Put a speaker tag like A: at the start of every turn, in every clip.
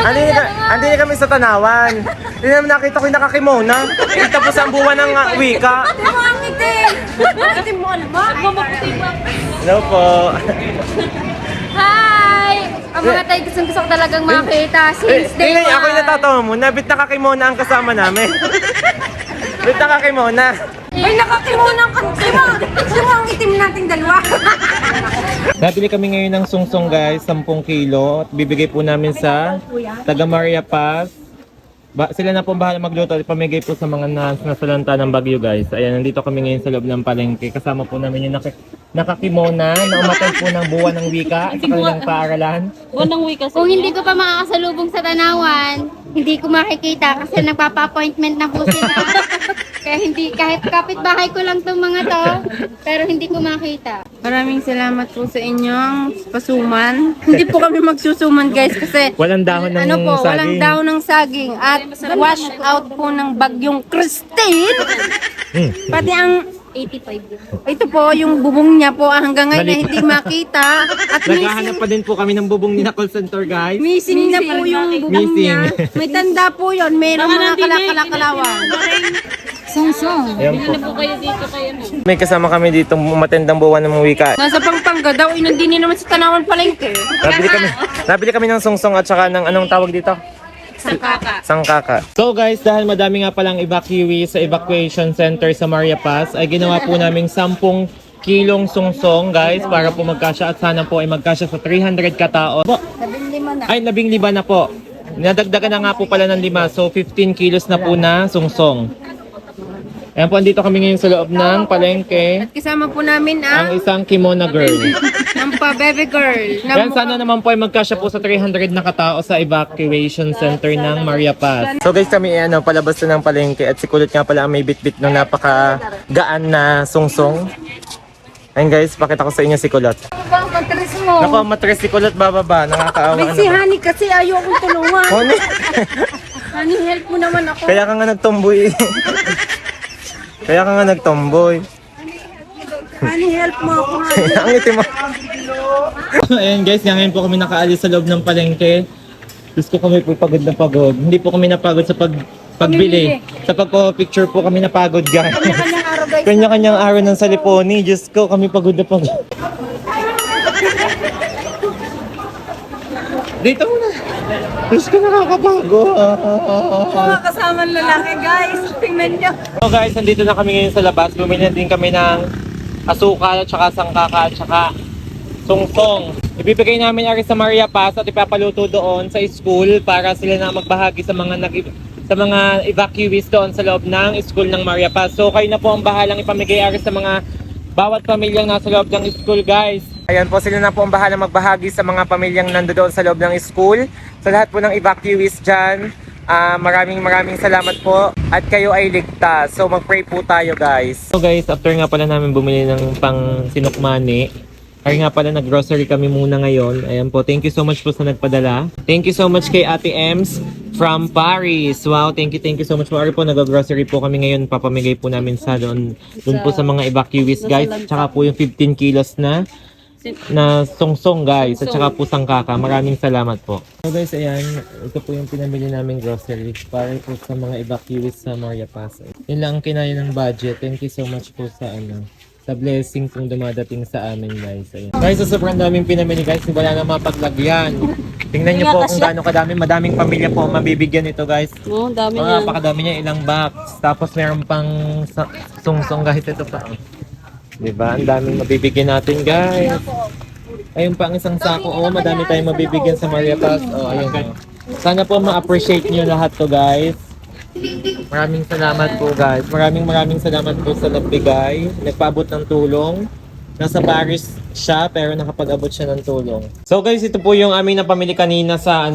A: Andi na kami sa Tanawan. Hindi naman nakita ko yung nakakimona. Tapos ang buwan ng wika.
B: Ate mo ang itim! Ate mo ano ba?
A: Hello po.
B: Hi! Ang mga tayo gusto ko talagang makita since day
A: Tingnan, ako yung
B: one.
A: natatawa mo. Nabit nakakimona ang kasama namin. Bit nakakimona.
B: Ay, nakakimuna ka. Sino ang itim nating dalawa?
A: Nabili kami ngayon ng sungsong guys, 10 kilo. At bibigay po namin sa taga Maria Paz. Sila na po bahala magluto at pamigay po sa mga nasalanta ng Bagyo guys. Ayan, nandito kami ngayon sa loob ng palengke. Kasama po namin yung nakakimona na umatay po ng buwan ng wika sa kanilang paaralan.
C: Kung hindi ko pa makakasalubong sa Tanawan, hindi ko makikita kasi nagpapa-appointment na po sila. Kaya hindi, kahit kapitbahay ko lang tong mga to, pero hindi ko makita.
B: Maraming salamat po sa inyong pasuman. Hindi po kami magsusuman guys kasi
A: Walang dahon ng saging.
B: walang dahon ng saging at wash out po ng bagyong Christine. Pati ang
C: 85
B: ito po yung bubong niya po hanggang ngayon na
A: Balik.
B: hindi makita at
A: Naghahanap pa din po kami ng bubong ni na call center guys.
B: missing na po yung bubong niya. May tanda po yon, mayroong mga kalakalakalawan.
C: Song-song.
A: Ayan po. May kasama kami dito matendang buwan ng mga wika.
B: Nasa Pampanga daw, inandini naman sa Tanawan Palengke.
A: Nabili kami ng sungsong at saka ng anong tawag dito? Sangkaka. So guys, dahil madami nga palang evacuee sa evacuation center sa Maria Paz, ay ginawa po naming 10 kilong sungsong guys para po magkasya at sana po ay magkasya sa 300 katao. Ay, 15 na po. Nadagdagan na nga po pala ng 5. So 15 kilos na po na sungsong. Ayan po, andito kami ngayon sa loob ng palengke.
B: At kasama po namin
A: Ang
B: ang
A: isang kimono girl.
B: baby girl.
A: Yan, sana naman po ay magkasya po sa 300 na katao sa evacuation center ng Maria Paz. So guys, kami palabas na ng palengke at si Kulot nga pala ang may bit-bit ng napakagaan na sungsong. Ayun guys, pakita ko sa inyo si Kulot.
B: Bang matris mo.
A: Naku, matres si Kulot bababa, nakakaawa
B: May si
A: naman.
B: Honey kasi ayaw akong tulungan.
A: Honey,
B: Honey, help mo naman ako.
A: kaya ka nga nagtomboy. Kaya ka nga nagtomboy.
B: Honey, help mo ako.
A: Ang itim mo. Ayan guys, ngayon po kami nakaalis sa loob ng palengke. Diyos ko, kami po pagod na pagod. Hindi po kami napagod sa pagbili. Sa pagpo-picture po kami napagod guys.
B: Kanya-kanyang araw guys.
A: Kanya-kanyang araw ng saliponi. Diyos ko, kami pagod na pagod. Dito muna. Diyos ko, nakakapagod.
B: Mga kasamang lalaki guys. Tingnan nyo.
A: So guys, nandito na kami ngayon sa labas. Bumili na din kami ng asukal, at saka sangkaka, at saka sungsong. Ibibigay namin ari sa Maria Paz at ipapaluto doon sa school para sila na magbahagi sa mga evacuees doon sa loob ng school ng Maria Paz. So kayo na po ang bahalang ipamigay ari sa mga bawat pamilyang nasa loob ng school guys. Ayan po, sila na po ang bahalang magbahagi sa mga pamilyang nandoon sa loob ng school. Sa lahat po ng evacuees dyan, maraming salamat po at kayo ay ligtas. So mag-pray po tayo guys. So guys, after nga pala namin bumili ng pang sinukmani, ay nga pala nag-grocery kami muna ngayon. Ayan po, thank you so much po sa nagpadala. Thank you so much kay Ate Ems from Paris. Wow, thank you so much po. Ari po, nag-grocery po kami ngayon. Papamigay po namin sa doon po sa mga evacuees guys. Tsaka po yung 15 kilos na sungsong guys. At tsaka po sangkaka. Maraming salamat po. So guys, ayan. Ito po yung pinamili namin grocery para po sa mga evacuees sa Maria Paz. Yun lang ang kinaya ng budget. Thank you so much po sa sa blessing kung dumadating sa amin guys. Ayan. Guys, so sobrang daming pinamili guys. Wala na mapaglagyan. Tingnan nyo po kung gaano kadami. Madaming pamilya po mabibigyan ito guys.
C: Oo, dami
A: Mga napakadami niya, ilang box. Tapos meron pang sungsong guys. Ito pa. Diba? Ang daming mabibigyan natin guys. Ayun pa ang isang sako. Oh, madami tayong mabibigyan sa Maria Paz. Oh, ayun. Sana po ma-appreciate nyo lahat to guys. Maraming salamat po guys. Maraming salamat po sa nagbigay. Nagpaabot ng tulong. Nasa Paris siya pero nakapag-abot siya ng tulong. So guys, ito po yung aming napamili kanina sa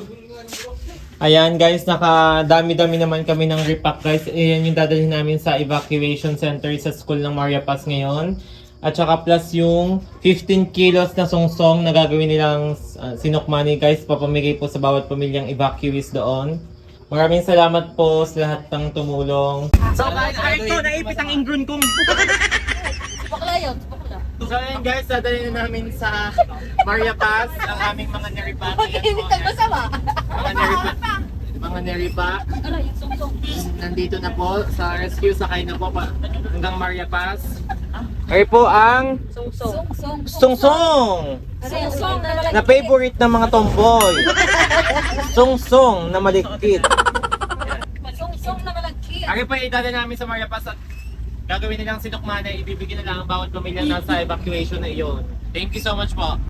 A: Ayan guys, nakadami-dami naman kami ng repack guys. Ayan yung dadalhin namin sa evacuation center sa school ng Maria Paz ngayon. At saka plus yung 15 kilos na sungsong na gagawin nilang sinukmani guys. Papamigay po sa bawat pamilyang evacuees doon. Maraming salamat po sa lahat ng tumulong. So guys, ito, naipit ang ingron kong. So ayan guys, dadalhin na namin sa Maria Paz ang aming mga niripaki. Mga Neri pa. Nandito na po sa rescue, sakay na po hanggang Maria Paz. Ay po ang Sungsong na favorite ng mga tomboy. Sungsong na malikit. Ari po idada namin sa Maria Paz at gagawin nilang sinukmana, ibibigyan na lang ang bawat pamilya na sa evacuation na iyon. Thank you so much po.